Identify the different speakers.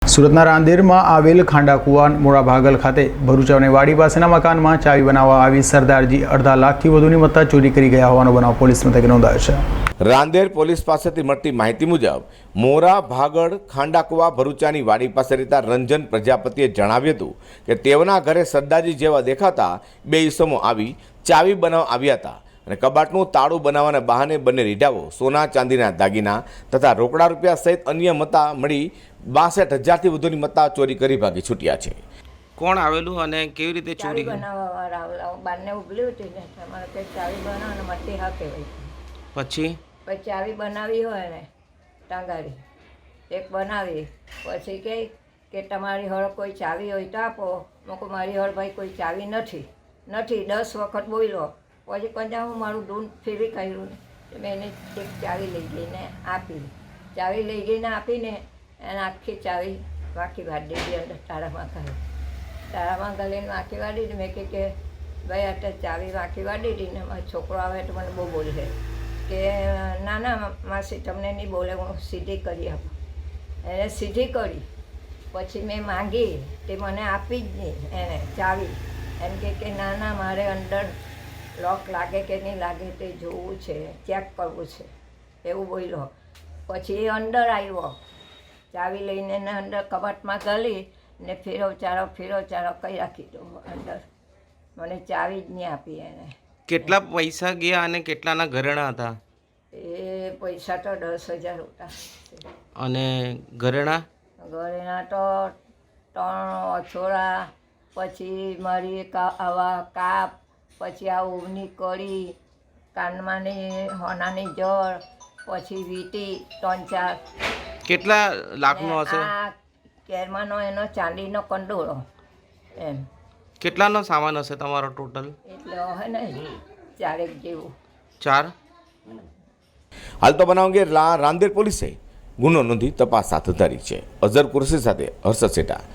Speaker 1: સુરતના રાંદેરમાં આવેલ ખાંડાકુવા મોડા ભાગલ ખાતે ભરૂચ અને વાડી પાસેના મકાનમાં ચાવી બનાવવા આવી સરદારજી 2.5 લાખથી વધુની મત્તા ચોરી કરી ગયા હોવાનો બનાવ પોલીસ મથકે નોંધાયો છે।
Speaker 2: રાંદેર પોલીસ પાસેથી મળતી માહિતી મુજબ મોરા ભાગળ ખાંડાકુવા ભરૂચાની વાડી પાસે રહેતા રંજન પ્રજાપતિએ જણાવ્યું હતું કે તેઓના ઘરે સરદારજી જેવા દેખાતા બે ઈસમો આવી ચાવી બનાવવા આવ્યા હતા અને કબાટનું તાળું બનાવવાના બહાને બંને રીઢાઓ સોના ચાંદીના દાગીના તથા રોકડા રૂપિયા સહિત અન્ય મત્તા મળી 62,000થી વધુની મત્તા ચોરી કરી ભાગી છૂટ્યા છે।
Speaker 3: કોણ આવેલું અને કેવી રીતે ચોરી
Speaker 4: બનાવવાવાળા બારને ઉભલી હતી ને તમારે કંઈક ચાવી બનાવો ને મટ્ટી હા કહેવાય।
Speaker 3: પછી
Speaker 4: ચાવી બનાવી હોય ને ટાંગારી એક બનાવી પછી કે તમારી હળ કોઈ ચાવી હોય તો આપો। મૂકો મારી હળ ભાઈ કોઈ ચાવી નથી 10 વખત બોલ્યો પછી કંજા હું મારું દૂધ ફેરી કર્યું ને મેં એને એક ચાવી લઈ ગઈને આપી। ચાવી લઈ ગઈને આપીને એને આખી ચાવી વાંકી વાળી દીધી અંદર તાળામાં ગલીને વાંકી વાળી દીધી। મેં કે ભાઈ અત્યારે ચાવી વાંકી વાળી દીધી ને મારો છોકરો આવે તો મને બહુ બોલશે કે ના માસી તમને નહીં બોલે હું સીધી કરી આપું। એને સીધી કરી પછી મેં માંગી તે મને આપી જ નહીં એને ચાવી। એમ કે ના મારે અંદર લોક લાગે કે નહીં લાગે તે જોવું છે ચેક કરવું છે એવું બોલ્યો। પછી એ અંદર આવ્યો ચાવી લઈને એને અંદર કબાટમાં ગળી ને ફેરો ચારો કઈ રાખી દો અંદર મને ચાવી જ નહીં આપી એને।
Speaker 3: કેટલા પૈસા ગયા અને કેટલાના ઘરેણા હતા?
Speaker 4: એ પૈસા તો 10,000 હતા
Speaker 3: અને ઘરેણા
Speaker 4: તો 3 અછોડા પછી મારી આવા કાપ પછી આ ઊંઘની કળી કાનમાંની હોનાની જળ પછી વીંટી 3-4
Speaker 3: કેટલા લાખનો હશે?
Speaker 4: આ કેરમાંનો એનો ચાંદીનો કંડોળો એમ।
Speaker 3: કેટલાનો સામાન હશે તમારો ટોટલ?
Speaker 4: એટલે હોય ને 4 જેવું।
Speaker 3: 4?
Speaker 2: હાલ તો બનાવ અંગે રાંદેર પોલીસે ગુનો નોંધી તપાસ હાથ ધરી છે। અઝર કુરશી સાથે હર્ષદ સેઠા।